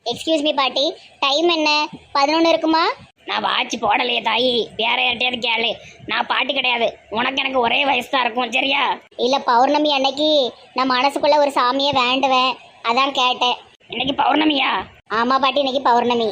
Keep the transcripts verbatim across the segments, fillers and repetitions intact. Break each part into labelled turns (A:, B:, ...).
A: Excuse me பாட்டி, time என்ன? பதினொன்று இருக்குமா?
B: நான் வாட்ச் போடலையே தாயி, வேற யார்ட்டையாவது கேளு. நான் பாட்டி கிடையாது, உனக்கு எனக்கு ஒரே வயசு தான் இருக்கும், சரியா?
A: இல்லை, பௌர்ணமி அன்னைக்கு நான் மனசுக்குள்ள ஒரு சாமியை வேண்டுவேன், அதான் கேட்டேன்.
B: இன்னைக்கு பௌர்ணமியா?
A: ஆமா பாட்டி, இன்னைக்கு பௌர்ணமி.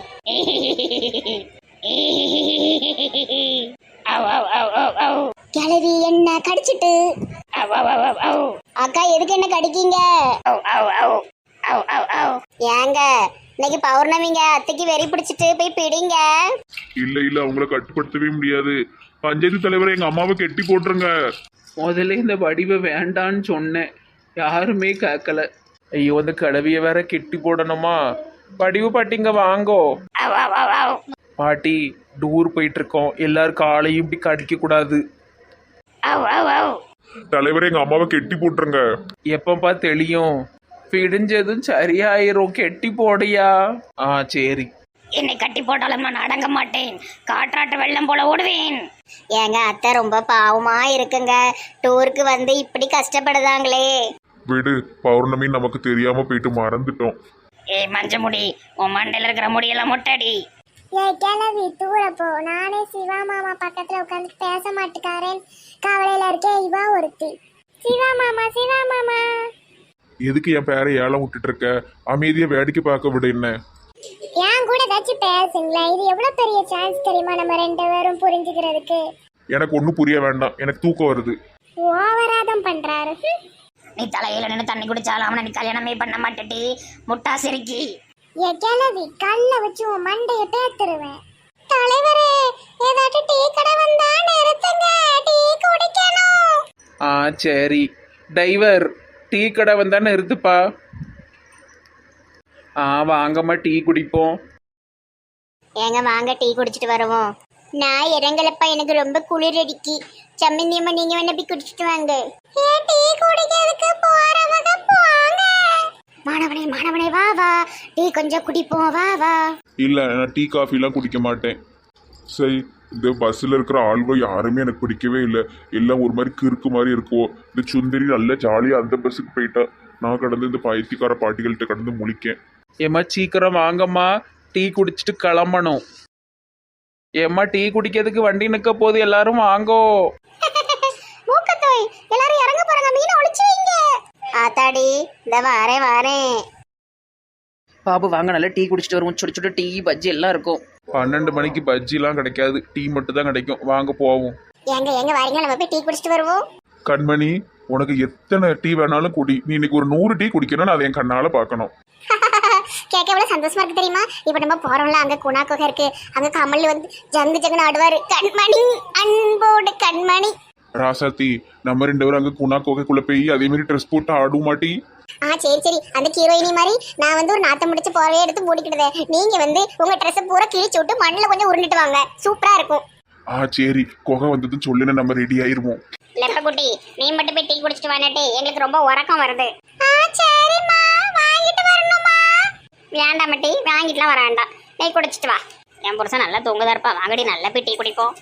B: அவ், அவ், அவ், அவ், அவ்.
A: கிளவி என்ன கடிச்சிட்டு.
B: அவ், அவ், அவ், அவ், அவ்.
A: அக்கா எதுக்கு என்ன கடிக்கீங்க?
B: அவ், அவ், அவ். அவ், அவ், அவ்.
A: ஏங்க இன்னைக்கு பௌர்ணமிங்க, அத்தைக்கு வெறி பிடிச்சிட்டு போய் பிடிங்க.
C: இல்ல இல்ல அவங்கள கட்டுப்படுத்தவே முடியாது. பஞ்சாயத்து தலைவரை எங்க அம்மாவை கெட்டி போட்டுருங்க.
D: முதல்ல இந்த வடிவை வேண்டான்னு சொன்னேன், யாருமே கேட்கல. ஐயோ, அந்த கடவிய வேற கெட்டி போடணுமா? வடிவு பாட்டிங்க வாங்கோ.
B: அவ், அவ், அவ், அவ்.
D: பாட்டி டூர் போயிட்டு இருக்கோம், எல்லாரும் காலையும் இப்படி கடிக்க கூடாது.
B: அவ், அவ், அவ்.
C: தலைவரை எங்க அம்மாவை கெட்டி போட்டுருங்க.
D: எப்பப்பா தெளியும்? பிடிஞ்சதும் சரியாயிரும், கெட்டி போடையா? ஆ சரி.
B: என்னை கட்டி போட்டாலும் நான் அடங்க மாட்டேன், காற்றாட்டு வெள்ளம் போல ஓடுவேன்.
A: ஏங்க அத்தை ரொம்ப பாவமா இருக்குங்க, டூருக்கு வந்து இப்படி கஷ்டப்படுதாங்களே.
C: விடு, பௌர்ணமி நமக்கு தெரியாம போயிட்டு மறந்துட்டோம்.
B: ஏய் மஞ்ச முடி, உன் மண்டையில இருக்கிற முடியெல்லாம் மொட்டடி.
E: கிளவி தூர போ. நானே சிவா மாமா பக்கத்துல உட்காந்து பேச மாட்டேக்காரேன் கவலையில இருக்கேன். இவா ஒருத்தி. சிவா மாமா, சிவா மாமா.
C: எதுக்கு என் பேரை ஏலம் விட்டுட்டு இருக்க? அமைதியா வேடிக்கை பார்க்க விடு. என்ன
E: என் கூட ஏதாச்சும் பேசுங்களா? இது எவ்வளவு பெரிய சான்ஸ் தெரியுமா நம்ம ரெண்டு பேரும் புரிஞ்சுக்கிறதுக்கு.
C: எனக்கு ஒன்றும் புரிய வேண்டாம், எனக்கு தூக்கம் வருது.
E: ஓவராதம் பண்றாரு.
B: நீ தலையில நின்று தண்ணி குடிச்சாலும் அவனை நீ கல்யாணமே பண்ண மாட்டேடி, முட்டா சிரிக்கி.
E: என் கிளவி கல்ல வச்சு உன் மண்டைய பேத்துருவேன். தலைவரே, ஏதாச்சும் டீ கடை வந்தா நிறுத்துங்க, டீ குடிக்கணும்.
D: ஆ சரி. டிரைவர், டீ கடை வந்தா நிறுத்துப்பா. ஆ வாங்கம்மா, டீ குடிப்போம்.
A: ஏங்க வாங்க டீ குடிச்சிட்டு வருவோம். நான் இறங்கலப்பா, எனக்கு ரொம்ப குளிர் அடிக்கி. சம்மந்தியம்மா நீங்க வேணா போய் குடிச்சிட்டு வாங்க.
E: ஏன் டீ குடிக்கிறதுக்கு போறவங்க போங்க.
A: மாணவனே மாணவனே வா வா, டீ கொஞ்சம் குடிப்போம், வா வா.
C: இல்ல, நான் டீ காஃபிலாம் குடிக்க மாட்டேன். சரி, இந்த பஸ்ஸில் இருக்கிற ஆள்கள் யாருமே எனக்கு பிடிக்கவே இல்லை. எல்லாம் ஒரு மாதிரி கிறுக்கு மாதிரி இருக்குவோ. இந்த சுந்தரி நல்ல ஜாலியாக அந்த பஸ்ஸுக்கு போயிட்டா. நான் கடந்து இந்த பைத்தியக்கார பாட்டிகள்கிட்ட கடந்து முழிக்கேன்.
D: ஏம்மா சீக்கிரம் வாங்கம்மா, டீ குடிச்சிட்டு கிளம்பணும். ஏம்மா டீ குடிக்கிறதுக்கு வண்டி நிற்க போது, எல்லாரும் வாங்கோ.
A: மூக்கத்தோய், எல்லாரும் இறங்க போறாங்க, மீனை ஒளிச்சு வைங்க. ஆத்தாடி, இந்த வாரேன் வாரேன்.
F: பாபு வாங்க, நல்லா டீ குடிச்சிட்டு வருவோம். சுட சுட டீ பஜ்ஜி எல்லாம் இருக்கும்.
C: பன்னெண்டு மணிக்கு பஜ்ஜிலாம் கிடைக்காது, டீ மட்டும் தான் கிடைக்கும். வாங்க போவோம்.
A: எங்க எங்க வரீங்க, நம்ம போய் டீ குடிச்சிட்டு வருவோம்.
C: கண்மணி, உனக்கு எத்தனை டீ வேணாலும் குடி. நீ இன்னைக்கு ஒரு நூறு டீ குடிக்கணும்னு அதை என் கண்ணால பார்க்கணும்.
A: கேட்க எவ்வளவு சந்தோஷமா இருக்கு தெரியுமா? இப்ப நம்ம போறோம்ல, அங்க குணா குகை இருக்கு, அங்க கமல் வந்து ஜங்கு ஜங்குன்னு ஆடுவாரு. கண்மணி, அன்போடு கண்மணி.
C: ராசாத்தி, நம்ம ரெண்டு பேரும் அங்க குணா கோகைக்குள்ள போய் அதே மாதிரி ட்ரெஸ் போட்டு ஆடும் மாட்டி.
A: ஆ சரி சரி, அந்த ஹீரோயினி மாதிரி நான் வந்து ஒரு நாத்தம் முடிச்சு போறவே எடுத்து மூடிக்கிடுவேன். நீங்க வந்து உங்க ட்ரெஸ் பூரா கிழிச்சு விட்டு மண்ணில் கொஞ்சம் உருண்டுட்டு வாங்க, சூப்பரா இருக்கும்.
C: ஆ சரி, குகை வந்ததுன்னு சொல்லுன்னு நம்ம ரெடி ஆயிருவோம்.
A: லெப்பகுட்டி, நீ மட்டும் போய் டீ குடிச்சிட்டு வானே, எங்களுக்கு ரொம்ப உறக்கம் வருது.
E: ஆ சரிம்மா, வாங்கிட்டு வரணுமா?
A: வேண்டாம் டீ, வாங்கிட்டுலாம் வர வேண்டாம், நீ குடிச்சிட்டு வா. என் புருஷன் நல்லா தூங்குதா இருப்பா, வாங்கடி நல்லா போய் டீ குடிப்போம்.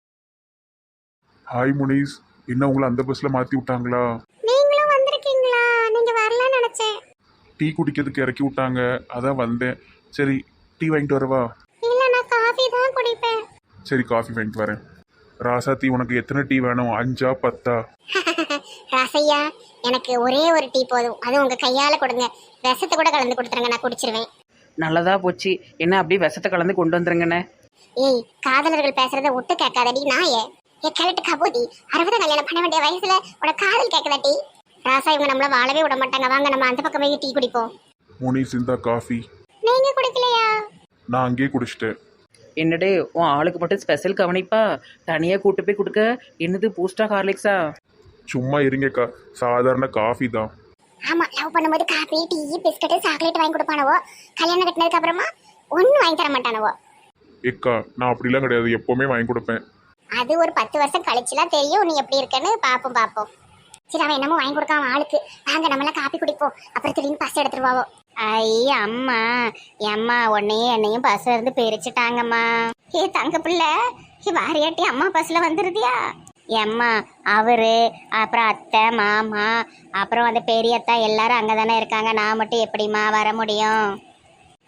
C: ஹாய் முனிஸ், என்ன உங்களை அந்த பஸ்ல மாத்தி விட்டாங்களா?
E: நீங்களும் வந்திருக்கீங்களா? நீங்க வரலன்னு நினைச்சேன்.
C: டீ குடிக்கிறதுக்கு இறக்கி விட்டாங்க, அதான் வந்தேன். சரி, டீ வாங்கிட்டு வரவா?
E: இல்ல, நான் காஃபி தான் குடிப்பேன்.
C: சரி, காஃபி வாங்கிட்டு வரேன். ராசாத்தி, உனக்கு எத்தனை டீ வேணும்? அஞ்சா பத்தா?
A: ராசையா, எனக்கு ஒரே ஒரு டீ போதும், அது உங்க கையால கொடுங்க. விஷத்தை கூட கலந்து கொடுத்துருங்க, நான் குடிச்சிருவேன்.
F: நல்லதா போச்சு. என்ன அப்படியே விஷத்தை கலந்து கொண்டு வந்துருங்கண்ணே.
A: ஏய், காதலர்கள் பேசுறத ஒட்டு கேட்காதடி நாயே. ஏ கலட்டு கபோதி, அறுபது கல்யாணம் பண்ண வேண்டிய வயசுல உன காதல் கேட்கதாட்டி. ராசா, இவங்க நம்மள வாழவே விட மாட்டாங்க. வாங்க நம்ம அந்த பக்கம் போய் டீ குடிப்போம்.
C: முனிஸ், இந்த காஃபி.
A: நீங்க குடிக்கலையா?
C: நான் அங்கேயே குடிச்சிட்டேன்.
F: என்னடே, உன் ஆளுக்கு மட்டும் ஸ்பெஷல் கவனிப்பா, தனியா கூட்டு போய் கொடுக்க. என்னது பூஸ்டா ஹார்லிக்ஸா?
C: சும்மா இருங்கக்கா, சாதாரண காஃபி தான்.
A: ஆமா, லவ் பண்ணும்போது காபி டீ பிஸ்கட் சாக்லேட் வாங்கி கொடுப்பானவோ, கல்யாணம் கட்டினதுக்கு அப்புறமா ஒன்னும் வாங்கி தர மாட்டானவோ.
C: ஏக்கா, நான் அப்படிலாம் கிடையாது, எப்பவுமே வாங்கி கொடுப்பேன்.
A: அது ஒரு பத்து வருஷம் கழிச்சுலாம் தெரியும் நீ எப்படி இருக்கன்னு. பாப்போம் பாப்போம். சரி, அவன் என்னமோ வாங்கி கொடுக்காம ஆளுக்கு. வாங்க நம்மளாம் காப்பி குடிப்போம், அப்புறம் திடீர்னு பஸ் எடுத்துருவாவோ. ஐய அம்மா, அம்மா உன்னையும் என்னையும் பஸ் இருந்து பிரிச்சுட்டாங்கம்மா. ஏ தங்க பிள்ளை, வாரியாட்டி அம்மா பஸ்ல வந்துருதியா? எம்மா அவரு அப்புறம் அத்தை மாமா அப்புறம் அந்த பெரியத்தா எல்லாரும் அங்கே தானே இருக்காங்க. நான் மட்டும் எப்படிம்மா வர முடியும்?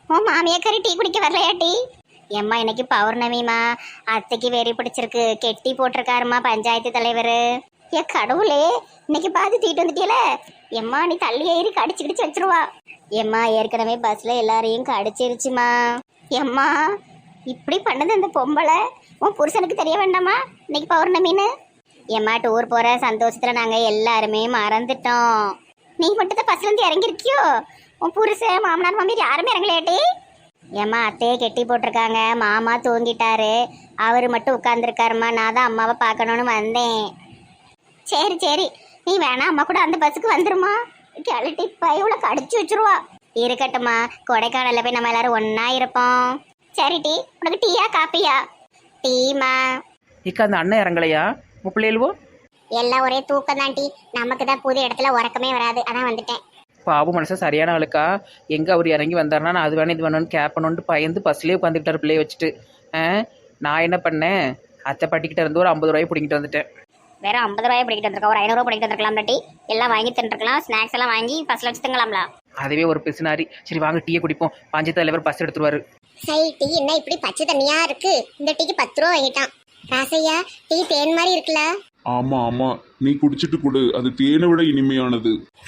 A: உன் மாமியாக்காரி டீ குடிக்க வரலையா டீ? எம்மா இன்னைக்கு பௌர்ணமிமா, அத்தைக்கு வெறி பிடிச்சிருக்கு, கெட்டி போட்டிருக்காருமா பஞ்சாயத்து தலைவர். ஏ கடவுளே, இன்னைக்கு பார்த்து தீட்டு வந்துட்டியல. எம்மா நீ தள்ளி ஏறி கடிச்சு கிடிச்சு வச்சிருவா. எம்மா ஏற்கனவே பஸ்ல எல்லாரையும் கடிச்சிருச்சுமா. எம்மா இப்படி பண்ணது அந்த பொம்பளை உன் புருஷனுக்கு தெரிய வேண்டாமா இன்னைக்கு பௌர்ணமின்னு? எம்மா டூர் போற சந்தோஷத்துல நாங்க எல்லாருமே மறந்துட்டோம். நீ மட்டும் தான் பஸ்ல இருந்து இறங்கிருக்கியோ? உன் புருஷன் மாமனார் மாமியார் யாருமே இறங்கலையாட்டி? ஏம்மா அத்தையே கெட்டி போட்டிருக்காங்க, மாமா தூங்கிட்டாரு, அவர் மட்டும் உட்காந்துருக்காருமா. நான் தான் அம்மாவை பார்க்கணுன்னு வந்தேன். சரி சரி, நீ வேணா அம்மா கூட அந்த பஸ்ஸுக்கு வந்துருமா. கிளட்டி பையவுல கடிச்சு வச்சிருவா. இருக்கட்டும்மா, கொடைக்கானல்ல போய் நம்ம எல்லாரும் ஒன்னா இருப்போம். சரி டீ, உனக்கு டீயா காப்பியா? டீமா.
F: இக்கா அந்த அண்ணன் இறங்கலையா முப்பிள்ளையல்வோ?
A: எல்லாம் ஒரே தூக்கம் தான் டீ. நமக்கு தான் புது இடத்துல உறக்கமே வராது, அதான் வந்துட்டேன்.
F: பாபு மனசா சரியான ஆளுக்கா. எங்கே அவர் இறங்கி வந்தாருன்னா நான் அது வேணும் இது வேணும்னு கேட்பணுன்ட்டு பயந்து பஸ்லேயே உட்காந்துக்கிட்டார் பிள்ளைய வச்சுட்டு. ஆ நான் என்ன பண்ணேன், அத்தை பாட்டிக்கிட்ட இருந்து ஒரு ஐம்பது ரூபாய் பிடிக்கிட்டு வந்துட்டேன்.
A: வேற ஐம்பது ரூபாய் பிடிக்கிட்டு வந்திருக்கா, ஒரு ஐநூறுரூவா பிடிக்கிட்டு வந்திருக்கலாம் டீ. எல்லாம் வாங்கி தின்றுக்கலாம், ஸ்நாக்ஸ் எல்லாம் வாங்கி பஸ்ல வச்சு திங்கலாம்ல.
F: அதுவே ஒரு பிசுனாரி. சரி வாங்க டீயை குடிப்போம், பஞ்சாயத்து தலைவர் பஸ் எடுத்துருவாரு.
A: சரி டீ என்ன இப்படி பச்சை தண்ணியா இருக்கு? இந்த டீக்கு பத்து ரூபா வாங்கிட்டான். ராசையா டீ தேன் மாதிரி இருக்குல்ல?
C: ஆமா ஆமா, நீ குடிச்சிட்டு கொடு, அது தேனை விட இனிமையானது.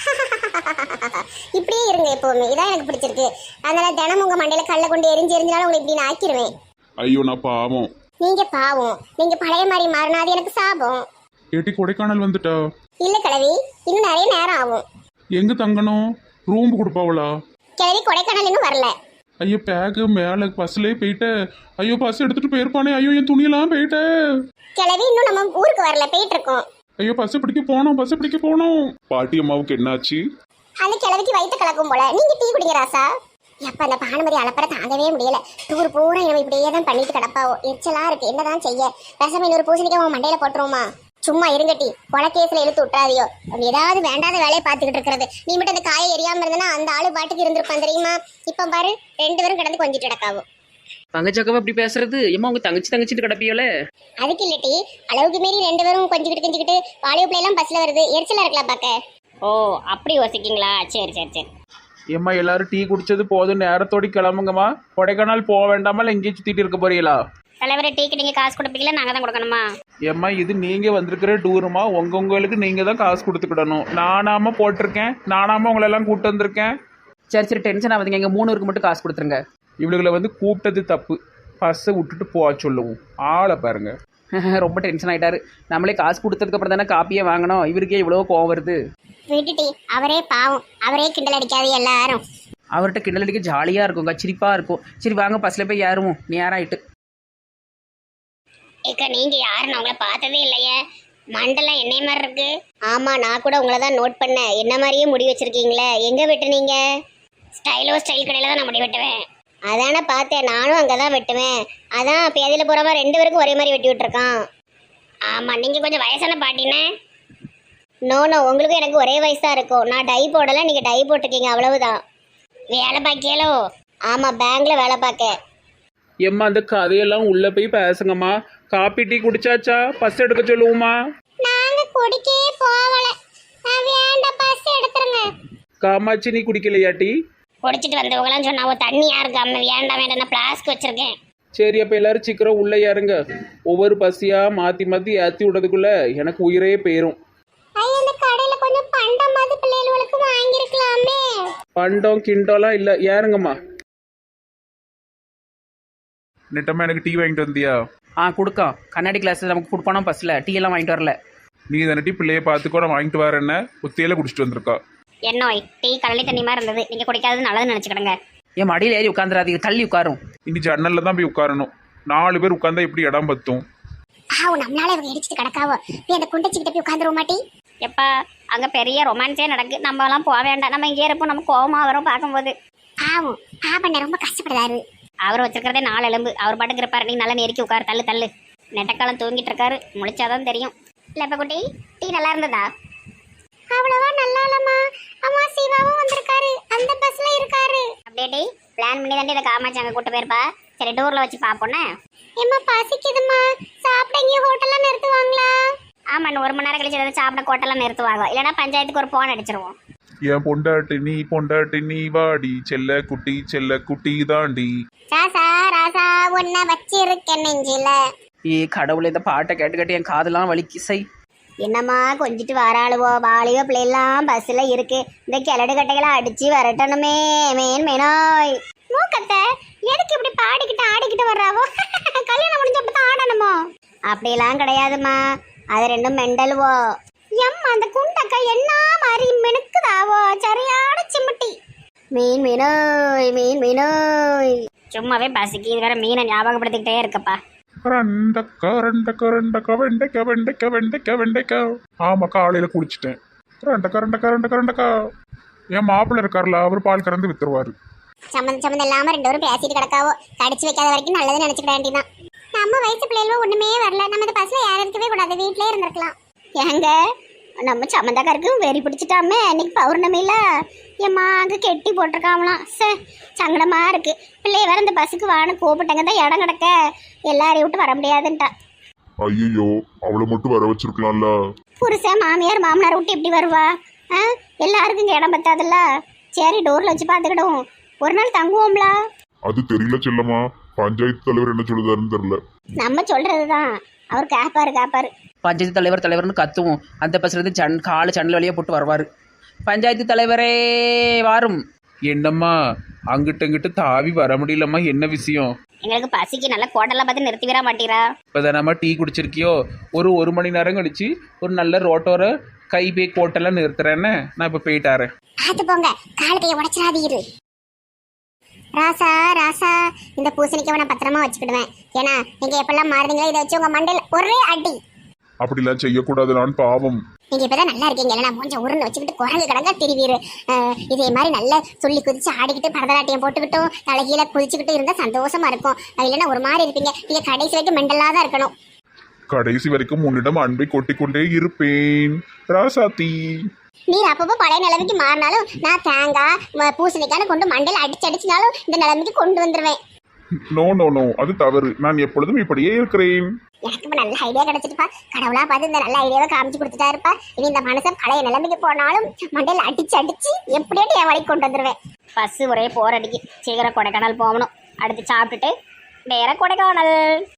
A: இப்படியே இருங்க எப்பவுமே, இதான் எனக்கு பிடிச்சிருக்கு. அதனால தினம் உங்க மண்டையில கல்ல கொண்டு எரிஞ்சு எரிஞ்சாலும் உங்களுக்கு இப்படி நான் ஆக்கிருவேன்.
C: ஐயோ நான் பாவம்.
A: நீங்க பாவம், நீங்க பழைய மாதிரி மாறினா அது எனக்கு சாபம்.
C: ஏட்டி கொடைக்கானல் வந்துட்டா?
A: இல்ல கிழவி, இன்னும் நிறைய நேரம் ஆகும்.
C: எங்க தங்கணும்? ரூம் கொடுப்பாவளா?
A: கிழவி கொடைக்கானல் இன்னும் வரல.
C: ஐயோ பேக்கு மேலே பஸ்லேயே போயிட்ட. ஐயோ பஸ் எடுத்துட்டு போயிருப்பானே. ஐயோ என் துணியெல்லாம் போயிட்ட.
A: கிழவி இன்னும் நம்ம ஊருக்கு வரல, போயிட்டு இருக்கோம்.
C: ஐயோ பஸ் பிடிக்க போனோம், பஸ் பிடிக்க போனோம். பாட்டி அம்மாவுக்கு என்னாச்சு?
A: அந்த கிழவிக்கு வயிற்று கலக்கும் போல. நீங்க டீ குடிங்க ராசா. எப்ப அந்த பானுமதி அலப்பற தாங்கவே முடியல. டூர் பூரா நம்ம இப்படியே தான் பண்ணிட்டு கிடப்பாவோ. எரிச்சலா இருக்கு, என்னதான் செய்ய? ரசம் இன்னொரு பூசணிக்கா உன் மண்டையில போட்டுருவோமா? சும்மா இருங்கட்டி, கொலக்கேஸ்ல இழுத்து விட்டுறாதியோ. ஏதாவது வேண்டாத வேலையை பார்த்துக்கிட்டு இருக்கிறது. நீ மட்டும் அந்த காயை எரியாம இருந்தனா அந்த ஆளு பாட்டுக்கு இருந்திருப்பான் தெரியுமா? இப்ப பாரு, ரெண்டு பேரும் கிடந்து கொஞ்சிட்டு கிடக்காவோ.
F: தங்கச்சாக்காவை அப்படி பேசுறது? ஏமா உங்க தங்கச்சி தங்கச்சிட்டு கிடப்பியோல?
A: அதுக்கு இல்லட்டி, அளவுக்கு மீறி ரெண்டு பேரும் கொஞ்சிக்கிட்டு கொஞ்சிக்கிட்டு வாலிப பிள்ளை எல்லாம் பஸ்ல வருது, எரிச்சலா இருக்கலாம் பாக்க.
B: ஓ அப்படி யோசிக்கீங்களா? சரி சரி சரி.
D: ஏம்மா எல்லாரும் டீ குடிச்சது போதும், நேரத்தோடி கிளம்புங்கம்மா. கொடைக்கானல் போக வேண்டாமா, இல்லை எங்கேயும் சுத்திட்டு இருக்க போறீங்களா?
B: தலைவரை டீக்கு நீங்க காசு கொடுப்பீங்களா, நாங்க தான் கொடுக்கணுமா?
D: ஏம்மா இது நீங்க வந்திருக்கிற டூருமா, உங்க உங்களுக்கு நீங்க தான் காசு கொடுத்துக்கிடணும். நானாம போட்டிருக்கேன், நானாம உங்களை எல்லாம் கூப்பிட்டு வந்திருக்கேன்.
F: சரி சரி டென்ஷன் ஆகுதுங்க, எங்கள் மூணு பேருக்கு மட்டும் காசு கொடுத்துருங்க.
D: இவளுகளை வந்து கூப்பிட்டது தப்பு, பஸ்ஸை விட்டுட்டு போக சொல்லுவோம். ஆளை பாருங்க.
F: ரொம்ப டென்ஷன் ஆகிட்டாரு. நம்மளே காசு கொடுத்ததுக்கு அப்புறம் தானே காப்பியே வாங்கணும், இவருக்கே இவ்வளோ கோவம் வருது.
A: விட்டுட்டி, அவரே பாவம், அவரே கிண்டல் அடிக்காது எல்லாரும்.
F: அவர்கிட்ட கிண்டல் அடிக்க ஜாலியாக இருக்குங்க, சிரிப்பாக இருக்கும். சரி வாங்க பஸ்ஸில் போய் ஏறுவோம், நேரம் ஆயிட்டு.
A: ஏக்கா நீங்க யாருன்னு உங்களை பார்த்ததே இல்லையே, மண்டலம் என்னை மாதிரி இருக்கு. ஆமா, நான் கூட உங்களை தான் நோட் பண்ணேன். என்ன மாதிரியே முடி வச்சிருக்கீங்களே, எங்க வெட்டுனீங்க? ஸ்டைலோ ஸ்டைல் கடையில தான் நான் முடி வெட்டுவேன். அதானே பார்த்தேன், நானும் அங்கதான் வெட்டுவேன். அதான் பேதியில போறவா ரெண்டு பேருக்கும் ஒரே மாதிரி வெட்டி விட்டுருக்கான். ஆமா, நீங்க கொஞ்சம் வயசான பாட்டினே. நோ நோ, உங்களுக்கும் எனக்கு ஒரே வயசா இருக்கும். நான் டை போடல, நீங்க டை போட்டிருக்கீங்க, அவ்வளவுதான். வேலை பார்க்கியலோ? ஆமா, பேங்க்ல வேலை பார்க்க.
D: ஏம்மா அந்த கதையெல்லாம் உள்ள போய் பேசுங்கம்மா. காப்பி டீ குடிச்சாச்சா? பஸ் எடுக்க சொல்லுவோமா?
A: நாங்க குடிக்கே போவல. நான் வேண்டாம், பஸ் எடுத்துருங்க.
D: காமாட்சி நீ குடிக்கலையா டீ?
B: குடிச்சிட்டு வந்தவங்களாம் சொன்னா தண்ணி யாருக்கு அம்மா வேண்டாம் வேண்டாம், நான் பிளாஸ்க் வச்சிருக்கேன்.
D: சரி அப்போ எல்லாரும் சீக்கிரம் உள்ளே ஏறுங்க. ஒவ்வொரு பஸ்ஸியா மாற்றி மாற்றி ஏற்றி விடுறதுக்குள்ள எனக்கு உயிரே போயிரும்.
A: ஐயா, இந்த கடையில கொஞ்சம் பண்டமாவது பிள்ளைகளுக்கு வாங்கிருக்கலாமே.
D: பண்டம் கிண்டோலாம் இல்லை, ஏறுங்கம்மா.
C: நெட்டம்மா எனக்கு டீ வாங்கிட்டு வந்தியா?
F: ஆ கொடுக்கோம், கண்ணாடி கிளாஸில் நமக்கு கொடுப்பானோ பஸ்ஸில் டீ எல்லாம் வாங்கிட்டு வரல.
C: நீ தானே டீ பிள்ளைய பார்த்துக்கோ, நான் வாங்கிட்டு வரேன்ன ஒத்தையில குடிச்சிட்டு வந்திருக்கா.
B: என்னோய் டீ கடலை தண்ணி மாதிரி இருந்தது, நீங்க குடிக்காதது நல்லதுன்னு நினைச்சுக்கிடுங்க.
F: என் மடியில் ஏறி உட்காந்துராதீங்க, தள்ளி உட்காரும்.
C: இனி ஜன்னல்ல தான் போய் உட்காரணும். நாலு பேர் உட்கார்ந்தா எப்படி இடம் பத்தும்?
A: ஆ, நம்மளால இவங்க இடிச்சிட்டு கிடக்காவோ. போய் அந்த குண்டச்சிக்கிட்ட போய் உட்காந்துருவோம் மாட்டி.
B: எப்பா அங்க பெரிய ரொமான்ஸே நடக்கு, நம்ம எல்லாம் போக வேண்டாம். நம்ம இங்கே இருப்போம், நம்ம கோவமா வரும் பார்க்கும்போது.
A: பாவம், பாபண்ண ரொம்ப கஷ்டப்படுறாரு.
B: அவர் வச்சிருக்கிறதே நாலு எலும்பு, அவர் பாட்டுக்கு இருப்பாரு. நீ நல்லா நெருக்கி உட்காரு, தள்ளு தள்ளு. நெட்டக்காலம் தூங்கிட்டு இருக்காரு, முழிச்சாதான் தெரியும். இல்லப்ப குட்டி, டீ நல்லா இருந்ததா?
A: அவ்வளவா நல்லா இல்லம்மா. அம்மா சிவாவும் வந்திருக்காரு, அந்த பஸ்ல இருக்காரு.
B: அப்படியே டீ பிளான் பண்ணி தாண்டி இதை காமாச்சு அங்கே கூட்டு போயிருப்பா. சரி டூர்ல வச்சு பார்ப்போன்னே.
A: ஏம்மா பசிக்குதும்மா, சாப்பிட இங்கே ஹோட்டல்ல நிறுத்துவாங்களா?
B: ஆமா, இன்னும் ஒரு மணி நேரம் கழிச்சு ஏதாவது சாப்பிட கோட்டெல்லாம் நிறுத்துவாங்க. இல்லைன்னா பஞ்சாயத்துக்கு ஒரு போன் அடிச்சிருவோம்.
C: என் பொண்டாட்டி நீ பொண்டாட்டி நீ வாடி செல்ல குட்டி செல்ல குட்டி தாண்டி.
A: ராசா ராசா உன்னை வச்சிருக்க நெஞ்சில.
F: ஏ கடவுளே, இந்த பாட்டை கேட்டு கேட்டு என் காதெல்லாம் வலிக்கு சை.
B: என்னம்மா கொஞ்சிட்டு வராளுவோ வாலியோ பிள்ளைலாம் பஸ்ஸில் இருக்கு. இந்த கிழடு கட்டைகளை அடிச்சு வரட்டணுமே மேன் மேனாய்.
A: மூக்கத்தை எதுக்கு இப்படி பாடிக்கிட்டு ஆடிக்கிட்டு வர்றாவோ? கல்யாணம் முடிஞ்சப்ப தான் ஆடணுமோ?
B: அப்படிலாம் கிடையாதும்மா, அது ரெண்டும் மெண்டலுவோ.
A: எம்மா அந்த குண்டக்கா என்ன மாதிரி மெனுக்குதாவோ, சரியான சிமிட்டி.
B: மீன் மீனோய் மீன் மீனோய். சும்மாவே பசிக்கு இது வேற மீனை ஞாபகப்படுத்திக்கிட்டே இருக்கப்பா.
C: ரெண்டக்கா ரெண்டக்கா ரெண்டக்கா வெண்டைக்கா வெண்டைக்கா வெண்டைக்கா வெண்டைக்கா. ஆமா காலையில குடிச்சிட்டேன். ரெண்டக்கா ரெண்டக்கா ரெண்டக்கா ரெண்டக்கா. என் மாப்பிள்ள இருக்காருல, அவர் பால் கறந்து வித்துருவாரு.
A: சம்மந்தம் சம்மந்தம் இல்லாம ரெண்டு பேரும் பேசிட்டு கிடக்காவோ. கடிச்சு வைக்காத வரைக்கும் நல்லதுன்னு நினைச்சுக்க வேண்டியதான். நம்ம வயசு பிள்ளைகளும் ஒண்ணுமே வரல. நம்ம இந்த பஸ்ல யாரும் இருக்கவே கூடாது, வீட்லயே இருந்திருக்கலாம்.
B: ஏங்க நம்ம சம்மந்தக்காருக்கு வெறி பிடிச்சிட்டாமே. அன்னைக்கு பௌர்ணமியில ஏம்மா அங்கே கெட்டி போட்டிருக்காங்களாம். சே சங்கடமா இருக்கு. பிள்ளைய வேற இந்த பஸ்ஸுக்கு வான்னு கூப்பிட்டங்க தான் இடம் கிடக்க எல்லாரையும் விட்டு வர முடியாதுன்ட்டா.
C: ஐயோ அவளை மட்டும் வர வச்சிருக்கலாம்ல.
B: புருஷன் மாமியார் மாமனார் விட்டு எப்படி வருவா? ஆ எல்லாருக்கும் இங்கே இடம் பத்தாதுல்ல. சரி டோரில் வச்சு பார்த்துக்கிடுவோம், ஒரு நாள் தங்குவோம்ல.
C: அது தெரியல செல்லம்மா, பஞ்சாயத்து தலைவர் என்ன சொல்லுதாருன்னு தெரியல.
B: நம்ம சொல்றது தான் அவர் கேப்பாரு கேப்பாரு.
F: பஞ்சாயத்து தலைவர் தலைவர்னு கத்துவோம். அந்த பஸ்லேருந்து ஜன் காலு ஜன்னல் வழியாக போட்டு வருவார். பஞ்சாயத்து தலைவரே வாரும்.
D: என்னம்மா அங்கிட்ட இங்கிட்ட தாவி வர முடியலம்மா, என்ன விஷயம்?
B: எங்களுக்கு பசிக்கு நல்ல கோட்டெல்லாம் பார்த்து நிறுத்தி விட மாட்டீரா?
D: இப்போதானம்மா டீ குடிச்சிருக்கியோ, ஒரு ஒரு மணி நேரம் கழிச்சு ஒரு நல்ல ரோட்டோர கை பே கோட்டெல்லாம் நிறுத்துறேன்னு நான் இப்போ போயிட்டாரேன்.
A: பார்த்து போங்க, கால் கையை உடச்சிடாதீரு. ராசா ராசா இந்த பூசணிக்காவை நான் பத்திரமா வச்சுக்கிடுவேன். ஏன்னா நீங்க எப்பெல்லாம் மாறுறீங்களோ இதை வச்சு உங்க மண்டையில ஒரே அடி.
C: அப்படிலாம் செய்யக்கூடாதுலான்னு பாவம்.
A: நீங்க இப்பதான் நல்லா இருக்கீங்க, நான் கொஞ்சம் உருண்டு வச்சுக்கிட்டு குரங்கு கடங்கா திருவீரு. இதே மாதிரி நல்லா சொல்லி குதிச்சு ஆடிக்கிட்டு பரதநாட்டியம் போட்டுக்கிட்டும் தலைகீழ குதிச்சுக்கிட்டு இருந்தா சந்தோஷமா இருக்கும். இல்லைன்னா ஒரு மாதிரி இருப்பீங்க. நீங்க கடைசி வரைக்கும் மெண்டலா தான் இருக்கணும்.
C: கடைசி வரைக்கும் உன்னிடம் அன்பை கொட்டிக்கொண்டே இருப்பேன் ராசாத்தி.
A: நீர் அப்பப்போ பழைய நிலைமைக்கு மாறினாலும் நான் தேங்காய் பூசணிக்கான கொண்டு மண்டையில அடிச்சு அடிச்சுனாலும் இந்த நிலைமைக்கு கொண்டு வந்துருவேன்.
C: நோ நோ நோ, அது தவறு. நான் எப்பொழுதும் இப்படியே இருக்கிறேன்.
A: எனக்கு இப்ப நல்ல ஐடியா கிடைச்சிருப்பா. கடவுளா பார்த்து இந்த நல்ல ஐடியாவை காமிச்சு கொடுத்துட்டா இருப்பா. இனி இந்த மனுஷன் பழைய நிலைமைக்கு போனாலும் மண்டையில அடிச்சு அடிச்சு எப்படியாட்டி என் வழிக்கு கொண்டு வந்துருவேன்.
B: பஸ்ஸு ஒரே போர் அடிக்கு. சீக்கிரம் கொடைக்கானல் போகணும். அடுத்து சாப்பிட்டுட்டு வேற கொடைக்கானல்.